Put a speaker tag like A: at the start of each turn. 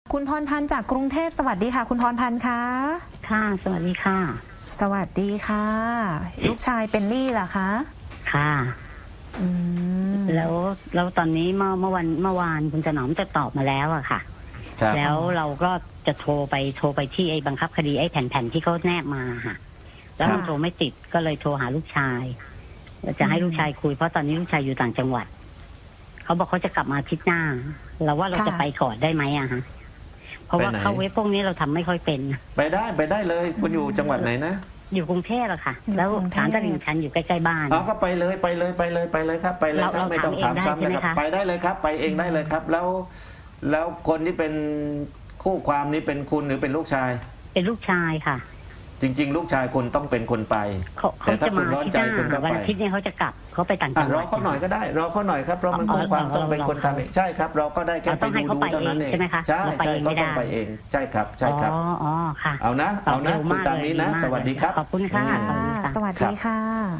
A: คุณพรพันธ์จากกรุงเทพสวัสดีค่ะคุณพรพันธ์คะ
B: ค่ะสวัสดีค่ะ
A: สวัสดีค่ะลูกชายเป็นหนี้เหรอคะ
B: ค่ะแล้วตอนนี้เมื่อวานคุณถนอมจะตอบมาแล้วอะค่ะแล้วเราก็จะโทรไปที่ไอ้บังคับคดีไอ้แผ่นที่เขาแนบมาค่ะแล้วมันโทรไม่ติดก็เลยโทรหาลูกชายจะให้ลูกชายคุยเพราะตอนนี้ลูกชายอยู่ต่างจังหวัดเขาบอกเขาจะกลับมาอาทิตย์หน้าเราว่าเราจะไปก่อนได้ไหมอะฮะเพราะว่าเข้าเว็บพวกนี้เราทำไม่ค่อยเป็น
C: ไปได้เลยคุณอยู่จังหวัดไหนนะ
B: อยู่กรุงเทพอะค่ะแล้วศาลตลิ่งชันอยู่ใกล้ๆบ้าน
C: ก็ไปเลยครับไปเลยครับไม่ต้องถามซ้ำนะครับไปได้เลยครับไปเองได้เลยครับแล้วคนที่เป็นคู่ความนี้เป็นคุณหรือเป็นลูกชาย
B: เป็นลูกชายค่ะ
C: จริงๆลูกชายคุณต้องเป็นคนไป
B: แต่ถ้าคุณร้อนใจคุณก็ไปวันอาทิตย์นี้เขาจะกลับเขาไปต่างจังหวัด
C: รอเขาหน่อยก็ได้รอเขาหน่อยครับเพราะมันคู่ความต้องเป็นคนทำเองใช่ครับเราก็ได้แค่ไปดูเท่านั้นเองใช่เขาต้องไปเองใช่ครับ
B: อ๋อค่ะ
C: เอานะคุณตามนี้นะสวัสดีครับ
B: ขอบคุณค่ะ
A: สวัสดีค่ะ